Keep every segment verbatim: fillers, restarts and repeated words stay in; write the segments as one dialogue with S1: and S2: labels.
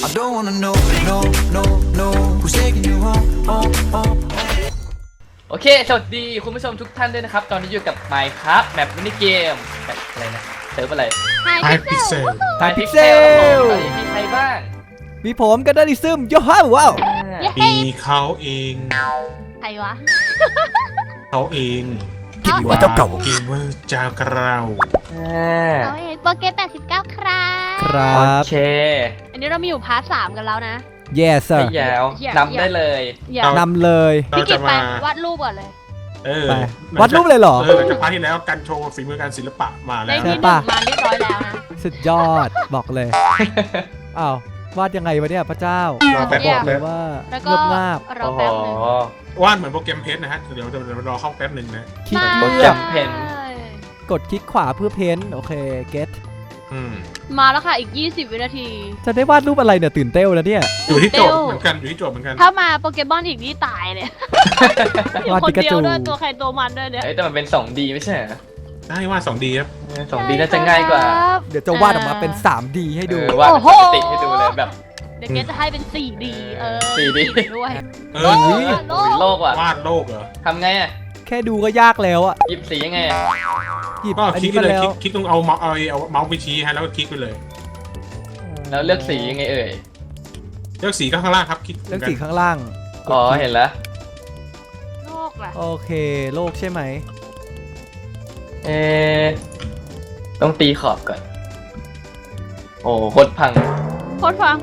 S1: I don't wanna know, no, no, no, who's taking you home, home, home.
S2: โอเคสวัสดีคุณผู้ชมทุกท่านด้วยนะครับตอนนี้อยู่กับ Minecraft แบบมินิเกมแบบอะไรนะเซิร์ฟอะไร
S3: ไฮพิกเซล
S2: ไฮพิกเซลตอนนี้มีใครบ้าง
S4: มีผมกันดันิซึมโยฮ่าว้าว
S5: มีเขาเอง
S3: ใครวะ
S5: เขาเอง
S4: กินว่าเจ้าเก่า
S5: เกมเมอร์จากเรา
S3: เอาเองโปรเกมแปดสิบเก้าครับ
S4: ครั
S2: โอบ เค
S3: อันนี้เรามีอยู่พาร์ทสามกันแล้วนะ
S4: yes sir
S2: ไม่ยาว
S3: อย่า
S2: นำได้เลย
S3: อย่าน
S4: ำเลย
S5: เรา
S3: พี่กิ
S5: จะ
S3: ตไป
S5: มาว
S3: าดรูปก่อนเลย
S5: เออ
S4: ไปวาดรูปเลยเหรอ
S5: เออหลังจากพาร์ทที่แล้วการโชว์ฝีมือการศิลปะมาแล้
S3: ได้
S5: ว
S3: ที่หนึ่งมาเรียบร้อยแล้วนะ
S4: สุดยอดบอกเลยอ้าววาดยังไงวะเนี่ยพระเจ้า
S5: เราแป๊บ
S3: เนี่ย
S4: ห
S5: แป๊
S4: รื
S5: บ
S4: อว่า
S3: แล้ว
S4: เง
S3: ก็
S4: บงาบ
S3: รอ
S2: โอ้โห
S3: แป๊บนึง
S5: วาดเหมือนโปรแกรมเพชรนะฮะเดี๋ยวเดี๋ยวเดี๋ยวรอเข้าแป๊บหนึ่งนะ
S4: คลิก
S2: โปร
S4: เลื
S2: แกร
S4: อก
S2: มเพน
S4: กดคลิกขวาเพื่อเพ้นท์โอเคเก็ต
S5: อืม
S3: มาแล้วค่ะอีกยี่สิบวินาที
S4: จะได้วาดรูปอะไรเนี่ยตื่นเต้นแล้วเนี่ย
S5: อยู่ที่โจทย์เหมือนกันอยู่ที่โจทย์เหมือนกัน
S3: ถ้ามาโปเกมอนอีกนี่ตายเลยอยู่
S4: วาด
S3: คน
S4: ปิกา
S3: เดีย
S4: จู
S3: วด้วยตัวใครตัวมันด้วยเนี่ย
S2: เอ้ยแต่มันเป็น สองดี ไม่ใช่เหรอ
S5: ได้วาดสองดีครับ
S2: เออ สองดี น่าจะง่ายกว่า
S3: ครับ
S4: เดี๋ยวจะวาดออกมาเป็น ทรีดี ให้ดู
S2: เออวาดเป็นปกติให้ดูเลยแบบ
S3: เดี๋ยวเกจะให้เป็นสี่ดีเออ
S2: สี่ดี
S3: ด้วย
S5: เอ
S3: โล
S5: อก
S4: อุ๊ย
S3: โล
S2: โอ้ย
S3: ก
S2: โลกว่ะ
S5: วาดโลกเหรอ
S2: ทำไงอ่ะ
S4: แค่ดูก็ยากแล้วอะ
S2: หยิบสียังไงอะ
S4: หยิบ
S5: ก็
S4: อัน
S5: คลิก
S4: นี้
S5: ไป
S4: มา
S5: เลย
S4: แล้ว
S5: คลิกคลิกต้องเอาเมาส์เอาเอาเมาส์ไปชี้ฮะแล้วก็คลิกไปเลย
S2: แล้วเลือกสียังไงเอ่ย
S5: เลือกสีก็ข้างล่างครับคลิก
S4: เลือกสีข้างล่างกด
S2: อ๋อ
S4: คลิก
S2: เห็นแล้ว
S3: โลกล่ะ
S4: โอเคโลกใช่ไหม
S2: เอ๊ะต้องตีขอบก่อน โอ้โคตรพัง
S3: โคตรฟัง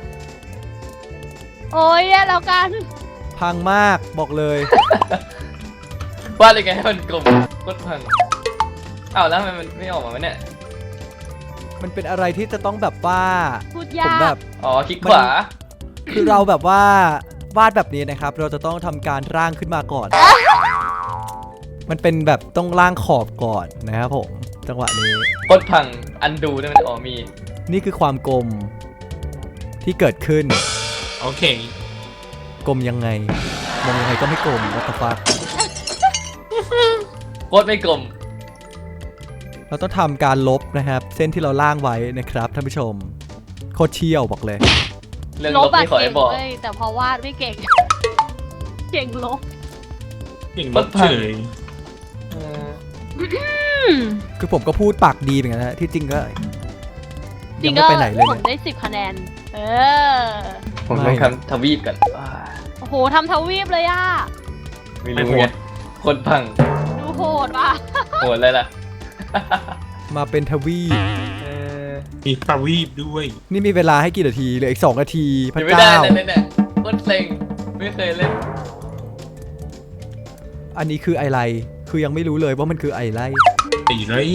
S3: โอ้ยแย่แล้วกัน
S4: พังมากบอกเลย
S2: วาดยังไงให้มันกลมโคตรพังอ้าวแล้วทำไมมันไม่ออกมาวะเนี่ย
S4: มันเป็นอะไรที่จะต้องแบบว่า
S3: พูด
S4: ผ
S3: ยาม ก
S4: แบบ
S2: อ๋อคลิกขวา
S4: คือเราแบบว่าวาดแบบนี้นะครับ เราจะต้องทำการร่างขึ้นมาก่อน มันเป็นแบบต้องร่างขอบก่อนนะครับผมจังหวะนี้
S2: โคตรพังอันดูได้มันอ๋อมี
S4: นี่คือความกลมที่เกิดขึ้น
S5: โอเค
S4: กลมยังไงมองยังไงก็ไม่กลมวัตฟัก
S2: โคตรไม่กลม
S4: เราต้องทำการลบนะครับ เส้นที่เราล่างไว้นะครับท่านผู้ชมโคตรเชี่ยวบอกเลย
S2: เรื่อง
S3: ล
S2: ล
S3: บบ อะ
S2: ไม่ขอ
S3: เก่
S2: ให้
S3: ง
S2: บอก
S3: เว้ยแต่พอวาดไม่เก่ง เก่งลบ
S5: เก่งลบเฉย
S2: เออ
S4: คือผมก็พูดปากดีเหมือนกันนะที่จริงก็
S3: จริ
S4: ยัง
S3: ง
S4: ไม่
S3: ก็
S4: ไปไหนเลย
S3: ผม
S4: เนี่ย
S3: ได้สิบคะแนน เออ
S2: ผม
S4: ไม่
S2: ต้องทำทวีปกันอ่า
S3: โอ้โหทำทวีปเลยอ่ะ
S2: ไม่รู้ไงโคตรพัง
S3: ดูโหดว่ะ
S2: โหดเลยล่ะ
S4: มาเป็นทวีป
S2: เออ
S5: มีปลาวีบด้วย
S4: นี่มีเวลาให้กี่นาทีเหลืออีกสองนาทีพระ
S2: ยังไม่ได้
S4: เจ้า
S2: เลยเนี่ยโคตรเซ็งไม่เคยเล่น
S4: อันนี้คืออะไรคือยังไม่รู้เลยว่ามันคืออะไร
S5: ตีเลย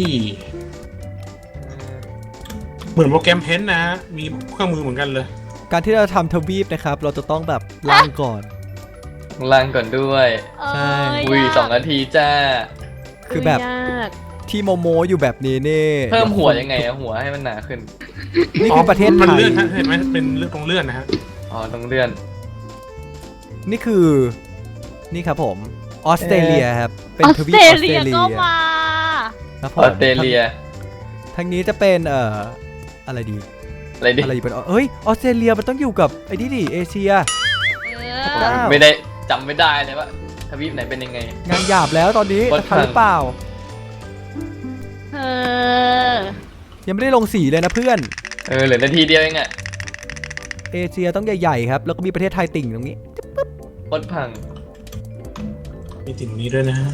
S5: เหมือนโปรแกรมเพนท์นะ มีเครื่องมือเหมือนกันเลย
S4: การที่เราทำทวีปนะครับ เราจะต้องแบบล่างก่อน
S2: ล่างก่อนด้วย
S3: เอ
S4: ใช่
S2: อุ้ย
S3: ยาก
S2: สองนาทีจ้า
S4: คือแบบ
S3: ยาก
S4: ที่โมโมอยู่แบบนี้นี่
S2: เพิ่มหัวยังไงอะหัวให้มันหนาขึ้น
S4: นี่คือประเทศไท
S5: มัน
S4: ย
S5: เลื่อนฮะเห็นไหมเป็นเลื่อนตรงเลื่อนนะฮะ
S2: อ๋อต้องเลื่อน
S4: นี่คือนี่ครับผมออสเตรเลียครับเป็น
S3: ออ
S4: ท
S3: ส
S4: วีป
S3: เต
S4: อ
S3: ร
S4: อสเต
S3: เลี
S4: ร
S3: ย
S4: เลีย
S3: ก็มา
S4: ครับผ
S2: อ
S4: ม
S2: อสเตรเลีย
S4: ทางนี้จะเป็นเอ่ออะไรดี
S2: อะไรดิ
S4: อะไรอยู่เป็นเอ้ยออสเตรเลียมันต้องอยู่กับไอ้นี่ดิเอเชีย
S3: เอ
S4: ว้า
S3: อ
S4: ว
S2: ไม่ได้จำไม่ได้เลยว่าทวีปไหนเป็นยังไง
S4: งานหยาบแล้วตอนนี้
S2: วัด
S4: จะทันหรือเปล่า
S3: เออ
S4: ยังไม่ได้ลงสีเลยนะเพื่อน
S2: เออเหลือนาทีเดียวเองอะ
S4: เอเชียต้องใหญ่ๆครับแล้วก็มีประเทศไทยติ่งตรงนี้
S2: โคตรพัง
S5: มีติ่งนี้ด้วยนะฮะ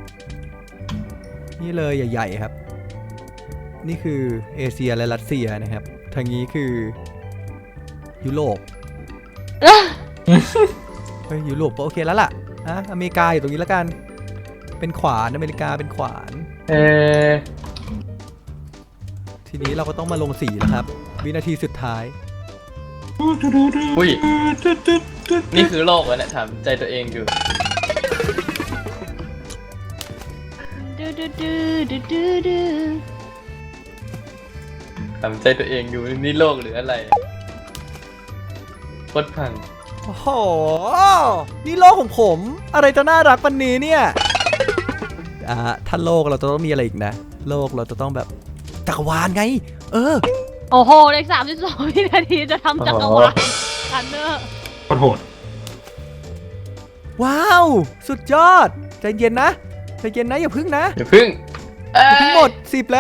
S4: นี่เลยใหญ่ๆครับ นี่คือเอเชียและรัสเซียนะครับ ทางนี้คือยุโรป เฮ้ยยุโรปก็โอเคแล้วล่ะอ่ะอเมริกาอยู่ตรงนี้แล้วกัน เป็นขวานอเมริกาเป็นขวาน
S2: เออ
S4: ทีนี้เราก็ต้องมาลงสีแล้วครับ วินาทีสุดท้าย
S2: อุ้ยนี่คือโลกวะเนี่ยถามใจตัวเองอยู่
S3: ดูดูดูดูดูดู
S2: ถามใจตัวเองอยู่นี่โลกหรืออะไรโคตรพัง
S4: โอ้โห นี่โลกของผม อะไรจะน่ารักปันนี้เนี่ย อ่าถ้าโลกเราจะต้องมีอะไรอีกนะ โลกเราจะต้องแบบจักรวาลไง เออ
S3: โอ้โหเลขสามสิบสองวินาทีจะทำจักรวาลกันเนอร์
S5: โคตรโหด
S4: ว้าว สุดยอด ใจเย็นนะใจเย็นนะอย่าพึ่งนะ
S2: อย่าพึ่ง
S4: อย่าพึ่งหมดสิบแล้ว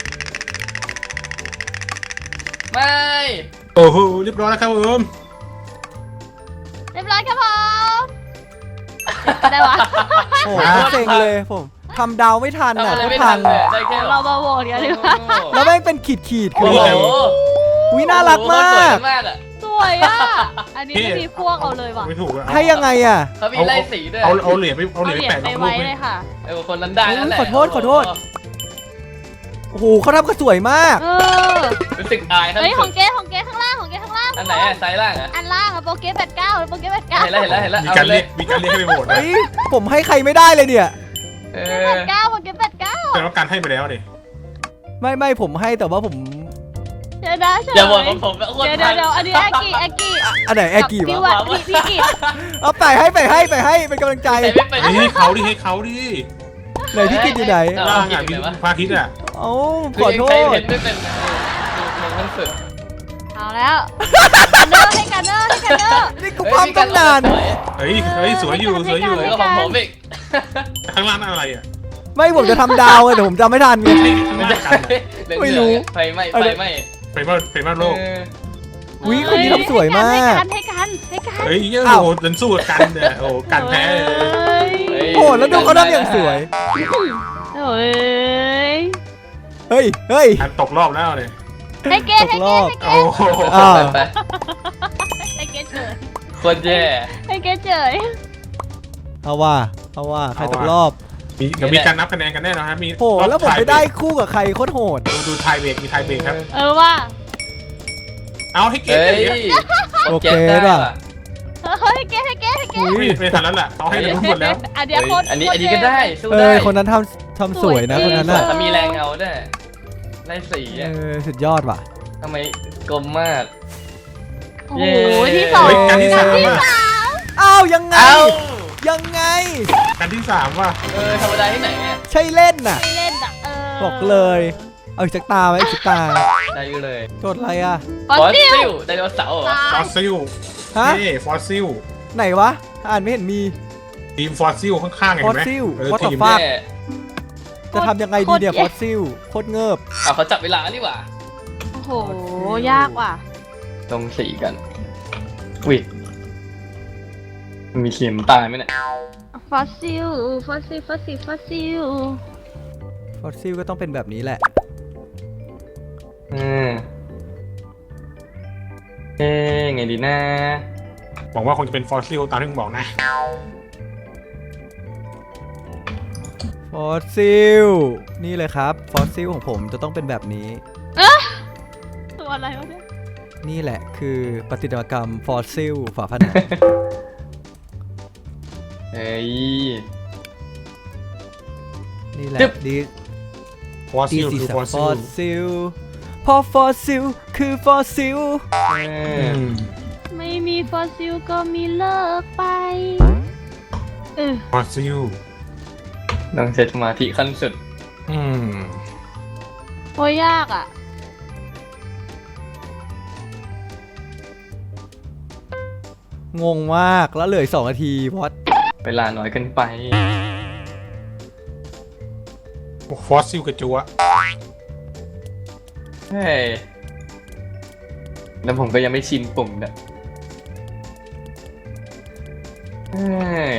S2: ไม่
S5: โอ้โหเรียบร้อยแล้วครับผม
S3: เรียบร้อยครับผมได้วะ
S4: โอ้โหเซ็งเลยผมทำดาวไม่ทัน
S2: ทำ
S4: อ่ะ
S2: อะไร
S4: ก็
S2: ไม่
S4: พั
S2: ทั
S4: ง
S2: นเลยได้แค่
S3: เรามาโหวตกันดีกว่า
S4: แล้วแม่งเป็นขีดขีดๆคื
S2: โอ้
S4: อ
S2: โห
S4: อะไรวิน่ารักมาก
S2: สวยมากอ่ะ
S3: สวยอ่ะ อันนี้ไม่มีพวกเอาเลยว่ะ
S5: ไม่ถูกอะ
S4: ให้ยังไงอ่ะ
S2: เขามีไล่สีด้วย
S5: เอาเอาเหรียญไปเอา
S3: เอา
S5: เหรียญ
S3: เหรี
S5: ไป
S3: ยญ
S5: แปะ
S3: ไป
S5: กับรูป
S3: ไว้เลยค่ะ
S2: ไอ้คนนั้นได้นั่นแหละ
S4: ขอโทษขอโทษ โอ้โหเขาทำก็สวยมาก
S3: เออ
S2: รู้สึกอายครับ
S3: เฮ้ยของเก๊ของเก๊ข้างล่างของเก๊ข้างล่าง
S2: อันไหนอ่ะไซส์ล่างอ่ะ
S3: อันล่างอะโปเก๊แปดเก้าโปเก๊แปดเก้า
S2: เห็นแล้วเห็นแล้วเห็นแล้ว
S5: มี
S2: เอา
S5: การ
S2: เล
S5: เรี
S2: ย
S5: ยกมีการเรียกให้ไปโหวตนะ
S4: เฮ้ยผมให้ใครไม่ได้เลยเนี่ย
S2: เอ
S3: แป
S2: อ
S3: ดเก้าโปเก๊แปดเก้า
S5: แต่ว่าการให้ไปแล้วดิ
S4: ไม่ไม่ผมให้แต่ว่าผม
S3: เดี๋ยวนะเฉย
S2: อย่าบอกว่าผมเป็นคน
S3: เดี๋ยวเดี๋ยวเดี๋ยวอันนี้แอกกี้แอกกี้
S4: อันไหนแอร์กี่
S3: พี่
S4: วะ
S3: วัดพี่พี่กิ
S4: เอาไปให้ไปให้ไปให้เป็นกำลังใจ
S2: ใส่ไม่เป็น
S5: เฮ้ยให้เขาดิให้เขาดิ
S4: ไหนพี่กินอยู่ไหน
S2: เอ
S5: ล่างอ่ะมีพระอาทิตย์อ่ะ
S4: เอ้าข
S2: คือ
S4: อ
S2: ยัง
S4: โท
S2: ใช้
S4: ษ
S2: เพนไม่เป็นดูมันสุด
S3: เอาแล้วกันเนอร์ให้กันเนอร์ให้กันเนอร์
S4: นี่กูปั๊มตั้งนาน
S5: เฮ้ยเฮ้ยสวยอยู่สวยอยู่
S2: สวยก็ของผมอีก
S5: ข้างล่างนั่นอะไรอ่ะ
S4: ไม่ผมจะทำดาวไงแต่ผมจำไม่ทันไง
S5: ไม่ใช่ข้างล่างกันอะ
S4: ไม่รู้
S2: ไฟไหม้ไฟไหม้
S5: ไปมาไปมาโลก
S4: วิคนนี้ทำสวยมาก
S3: ให้กันให้กันให้กัน
S5: เฮ้ยโอ้
S4: อ้าว
S5: โหดันสู้กับกันเนี่ยโอ้โหกันแพ้เลย
S3: เฮ้ย
S4: โอ้แล้วดูเขาทำอย่างสวย
S3: โอ้ย
S4: เฮ้ยเฮ้ย
S5: กันตกรอบแล้วเนี่ย
S3: ให้เกตให้เกตให้เก
S5: โอ้
S3: ต
S5: โห
S4: อ้าว
S2: ไป
S3: ให้เกตเฉย
S2: คนแย่
S3: ให้เกตเฉย
S4: เอาว่าเอาว่าใครตกรอบ
S5: มีเดี๋ยวมีการนับคะแนนกันแน่นอนครับมี
S4: โหแล้วผมไปได้คู่กับใครโคตรโหด
S5: ดูดูไทยเบรกมีไทยเบรกครับ
S3: เออว่า
S5: เอาให้เก็บ
S2: เฮ้ย
S5: เลย
S4: โอเค
S2: ได้
S4: ป่ะ
S2: ป่ะ
S3: เฮ้ยเกตให้เกตให้เกต
S4: อุ้ย
S5: ไม่ทันแล้วแหละเขาให้รู้หมดแล้ว
S3: อันเดียว
S2: เฮ้ย
S3: โคตร
S2: อันนี้อันนี้ก็ได้สู้
S4: เอ
S2: ได้
S4: อคนนั้นทำทำสวยนะคนนั้น
S2: สวย
S4: น่ะ
S2: เขามีแรงเงาด้วยไล่สี
S4: เอ
S2: อ่ะ
S4: อสุดยอดว่ะ
S2: ทำไมกลมมาก
S3: โอ้โหที่สอง
S5: เฮ้ยการที่สาม
S3: ที่
S5: อ่ะ
S3: สาม
S4: อ้าวยังไง
S2: เอ้า
S4: ยังไง
S5: การที่สามว่ะ
S2: เออธรรมดาที่ไหนเนี่ย
S4: ใช่เล่นน่ะ
S3: ไม่เล่นอ่ะเออ
S4: บอกเลย เอาอีกสักตาไหมอีกสักตา
S2: ได้อยู่เลย
S4: โจทย์อะไรอ่ะ
S3: ฟอสซิล
S2: ไดโนเสาร์เหรอ
S5: ฟอสซิล
S4: ฮะ
S5: นี่ฟอสซิล
S4: ไหนวะอ่านไม่เห็นมี
S5: ทีมฟอสซิลข้างๆเห็นไหม
S4: Fossil
S5: เออ
S4: What the
S5: ทีม
S4: fuck
S2: แย่
S4: จะทำยังไงดีเนี่ยฟอสซิลโคตรเงิบ
S2: เอาเขาจับเวลานี่หว่า
S3: โอ้โหยากว่ะ
S2: ตรงสีกัน อุ้ยมันมีเข็มตายไหมเนี่ย
S3: ฟอสซิลฟอสซิลฟอสซิลฟอสซิล
S4: ฟอสซิลก็ต้องเป็นแบบนี้แหละ
S2: อืมเอ๊ะไงดีนะ
S5: หวังว่าคงจะเป็นฟอสซิลตามที่มึงบอกนะ
S4: ฟอสซิลนี่เลยครับฟอสซิลของผมจะต้องเป็นแบบนี้
S3: ตัวอะไรวะเนี่ย
S4: นี่แหละคือปฏิมากรรมฟอสซิลฝาผนัง
S2: เฮ้ย
S4: นี่แหละ
S2: จึ๊บ
S4: ดี
S5: ฟอส
S4: ดี
S5: ซิล
S4: สี
S5: คือ
S4: สั
S5: ฟอน ส
S4: ฟ
S5: ซิ
S4: อ
S5: ล
S4: สซิลพอฟอสซิลคือฟอสซิล
S2: เออ
S3: ไม่มีฟอสซิลก็มีเลิกไปเออ
S5: ฟอสซิล
S2: ต้องใช้สมาธิขั้นสุด
S5: อืม
S3: โอ้ยยากอ่ะ
S4: งงมากแล้วเหลืออกสองนาทีพอด
S2: เวลาน้อยเกินไป
S5: ฟอสซิลกระจัว
S2: เฮ้ย แล้วผมก็ยังไม่ชินปุ่มเนี่ยเฮ้ย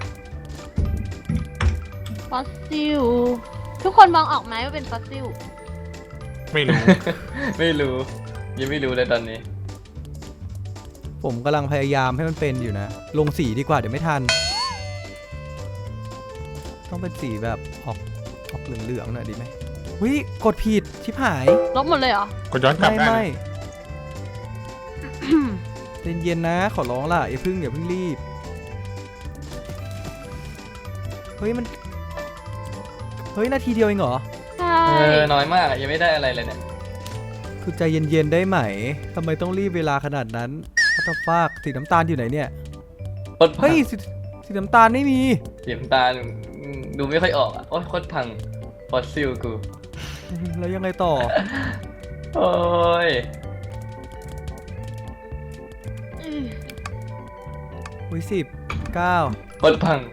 S3: ฟอสซิล ทุกคนมองออกไหมว่าเป็นฟอสซิล
S5: ไม่รู้
S2: ไม่รู้ ยังไม่รู้เลยตอนนี้
S4: ผมกำลังพยายามให้มันเป็นอยู่นะ ลงสีดีกว่าเดี๋ยวไม่ทัน ต้องเป็นสีแบบออกออกเหลืองๆหน่อยดีไหมวิกดผิดชิบหาย
S3: ลบหมดเลยเหรอ
S5: ก็ย้อนกลับ
S4: ไม่
S5: ได้
S4: ไม่
S5: นะ
S4: เย็นๆนะ ขอร้องล่ะอย่าเพิ่งอย่าเพิ่งรีบ เฮ้ยมัน เฮ้ยนาทีเดียวเองเหรอ
S3: ใช่
S2: เออ น้อยมากอะยังไม่ได้อะไรเลยเนี่ย
S4: คือใจเย็นๆได้ไหมทำไมต้องรีบเวลาขนาดนั้นวัตฟากสีน้ำตาลอยู่ไหนเนี่ย
S2: โคตรพั
S4: เฮ้
S2: ง
S4: ยสีสีน้ำตาลไม่มี
S2: เสียงตาอืมดูไม่ค่อยออกอ่ะ โอ๊ยโคตรพัง ฟอสซิลกู
S4: แล้วยังไงต่อ
S2: โอ้ย
S3: อือ
S4: อุ้ยสิบเก้า
S2: บดพัง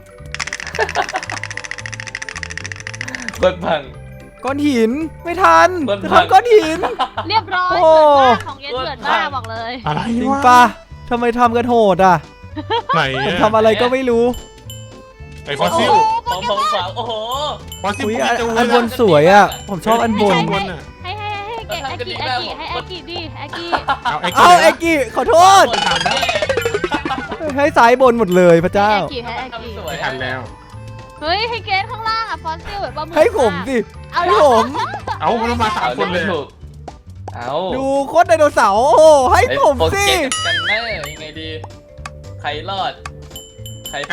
S2: บดพัง
S4: ก้อนหินไม่ทัน
S2: ก้อน
S4: จะ
S2: พัง
S4: ทำก้อนหิน
S3: เรียบร้อย
S4: โอ้
S3: เปิดมากของเย็นเปิดมากบอกเลย
S5: อะไร
S4: จริง
S5: วะ
S4: ปะทำไมทำกันโหดอ่ะ
S5: ไหน
S4: ผม
S5: อะ
S4: ทำอะไรก็ไม่รู้
S5: ไอ้ฟอสซิล
S2: ผมผมฝากโอ้โห
S5: ฟอสซิล
S4: อุ้ย
S5: พวก
S4: อัน
S5: จะ
S4: อันบนสวยอ่ะ ผมชอบอันบน
S3: ใช่
S5: บนอ่ะ
S3: ให้ให้ให้เกไอกิไอกิให้ไอกิดิไอกิ
S5: เอาไอ้
S4: เอา
S5: กี้
S4: เอ็กกี้ขอโทษ ให้ซ้ายบนหมดเลยพระเจ้า
S3: ไอกิให้ไอกิ
S2: สวย
S5: ไม่ทันแล้ว
S3: เฮ้ยให้เกสข้างล่างอ่ะฟอสซิลแบบปลาหมึก
S4: ให้ผมสิ
S3: เอา
S4: ให้
S3: ละ
S4: ผม
S5: เอามันมาสามคนเลย
S2: ถูกเอา
S4: ดูโคตรไดโนเสาร์โอ้โหให้ผม
S2: โปร
S4: สิ
S2: เจกต์กันแน่ยังไงดี ใครรอด ใครไป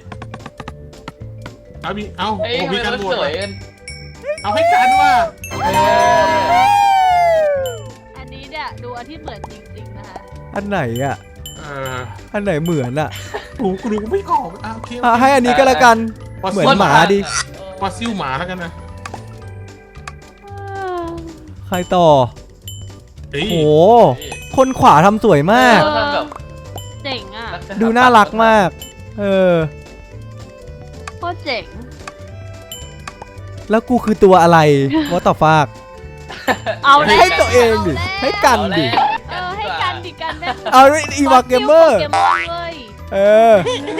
S5: เอามีเอา
S2: เฮ้ย
S5: โอ้
S2: ทำ
S5: มี
S2: ไม
S5: การ
S2: มัน
S5: บว
S2: ส
S5: ช
S2: วยกัน
S5: เอาให้กันว่า
S2: เออ
S3: อันนี้เนี่ยดูอันที่เหมือนจริงๆนะคะ
S4: อันไหนอ่ะ
S5: เออ
S4: อันไหนเหมือนอ่ะ
S5: กูกูดูไม่ออกอ่ะโอเค
S4: อ่ะให้อันนี้ก็แล้วกัน
S5: ฟอส
S4: เหมื
S5: ซิ
S4: อ
S5: ล
S4: นหมาดิ
S5: ฟอสซิลหมาแล้วกันนะ
S4: ใครต่อ
S5: เฮ้ย
S4: โอ้โหคนขวาทำสวยมาก
S2: เออทำแบบ
S3: เจ๋งอ่ะ
S4: ดูน่ารักมาก เออ
S3: โคตรเจ๋ง
S4: แล้วกูคือตัวอะไรวอต่อฟาก
S3: เอาแล้ว
S4: ให้ตัวเองดิ
S3: าแล้ว
S4: ให้กันดิ
S3: เออให้กันดิกันได้
S4: เอาอีวาเกมเมอร์
S3: เกมเมอร์เว้ย
S4: เออ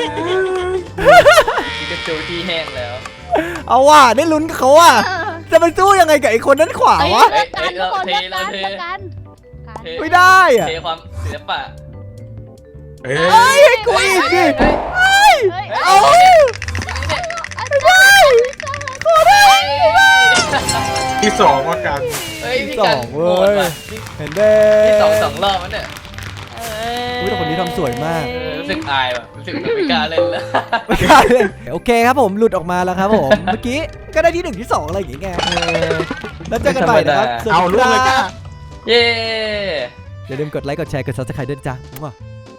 S2: พิกาจูที่แห้งแล้ว
S4: เอาว่ะได้ลุ้นกับเขาว่ะ จะไปสู้ยังไงกับไอ้คนนั้นขวา
S3: เอ้ยว
S4: ะ
S3: เลือกกันทุกคน
S2: เท
S3: เลือกกัน
S2: เท
S3: เลือกกันกัน
S2: เท
S4: ไม่ได้อ่ะ
S2: เทความศิลปะ
S5: เอ้
S4: เอ้
S5: ย
S4: ยให้กูอีกดิ
S3: เฮ้ย
S4: เอา
S3: ไม่ได้
S4: ขอได้
S5: ที่สองว่ากัน
S2: เฮ้ยพี่
S4: ส
S2: กั
S4: อน งเว้
S2: โหด
S4: ย
S2: ว่ะ
S4: เห็นเด้
S2: พี่สองสองรอบแล้วเนี่ย
S4: อุ้ยแต่คนนี้ทำสวยมาก
S2: เออรู้สึกอายว่ะรู้สึกแบบไม่กล้าเล่นแล้ว
S4: ไม่กล้าเล่นโอเคครับผมหลุดออกมาแล้วครับผม เมื่อกี้ก็ได้ที่หนึ่งที่สองอะไรอย่างเงี้ยเออแล้วเจอกันใหม่นะครับ
S5: เอาลูกเลยจ้า
S2: เย้
S4: อย่าลืมกดไลค์กดแชร์กดซับสไครต์ด้วยจ้ะ